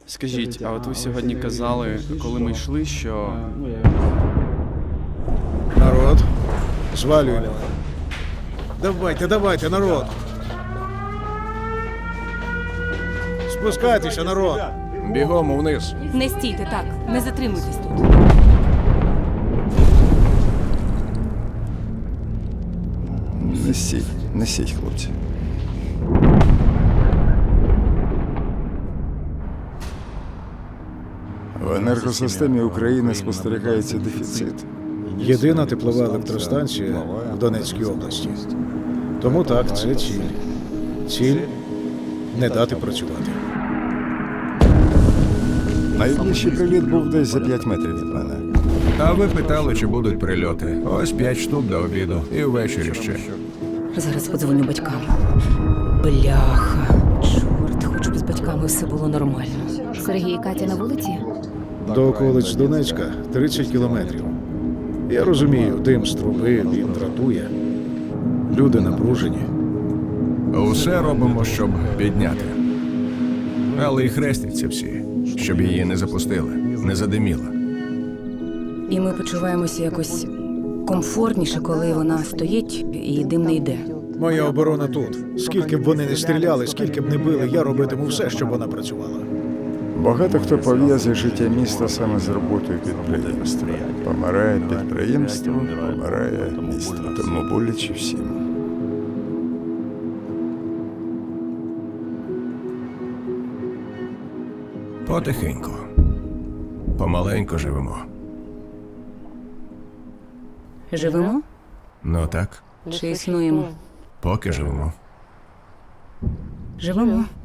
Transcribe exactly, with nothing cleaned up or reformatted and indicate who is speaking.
Speaker 1: Скажіть, а от ви сьогодні казали, коли ми йшли, що
Speaker 2: Народ, звалюємо. Давайте, давайте, народ. Спускайтеся, народ.
Speaker 3: Бігом вниз.
Speaker 4: Не стійте так, не затримуйтесь тут.
Speaker 5: Несіть, несіть, хлопці. В енергосистемі України спостерігається дефіцит.
Speaker 2: Єдина теплова електростанція в Донецькій області. Тому так, це ціль. Ціль не дати працювати.
Speaker 5: Найближчий приліт був десь за п'ять метрів від мене.
Speaker 3: А ви питали, чи будуть прильоти. Ось п'ять штук до обіду. І ввечері ще.
Speaker 4: Зараз подзвоню батькам. Бляха. Чорт, хоч би з батьками все було нормально.
Speaker 6: Сергій і Катя на вулиці?
Speaker 2: До околиць Донецька тридцять кілометрів. Я розумію, дим з труби, він дратує. Люди напружені.
Speaker 3: Усе робимо, щоб підняти. Але і хрестяться всі, щоб її не запустили, не задиміла.
Speaker 4: І ми почуваємося якось комфортніше, коли вона стоїть і дим не йде.
Speaker 2: Моя оборона тут. Скільки б вони не стріляли, скільки б не били, я робитиму все, щоб вона працювала.
Speaker 5: Багато хто пов'язує життя міста саме з роботою підприємства. Помирає підприємство, помирає місто. Тому боляче всім.
Speaker 3: Потихеньку. Помаленьку живемо.
Speaker 4: Живемо
Speaker 3: Ну так,
Speaker 4: чи існуємо?
Speaker 3: поки живемо.
Speaker 4: Живемо.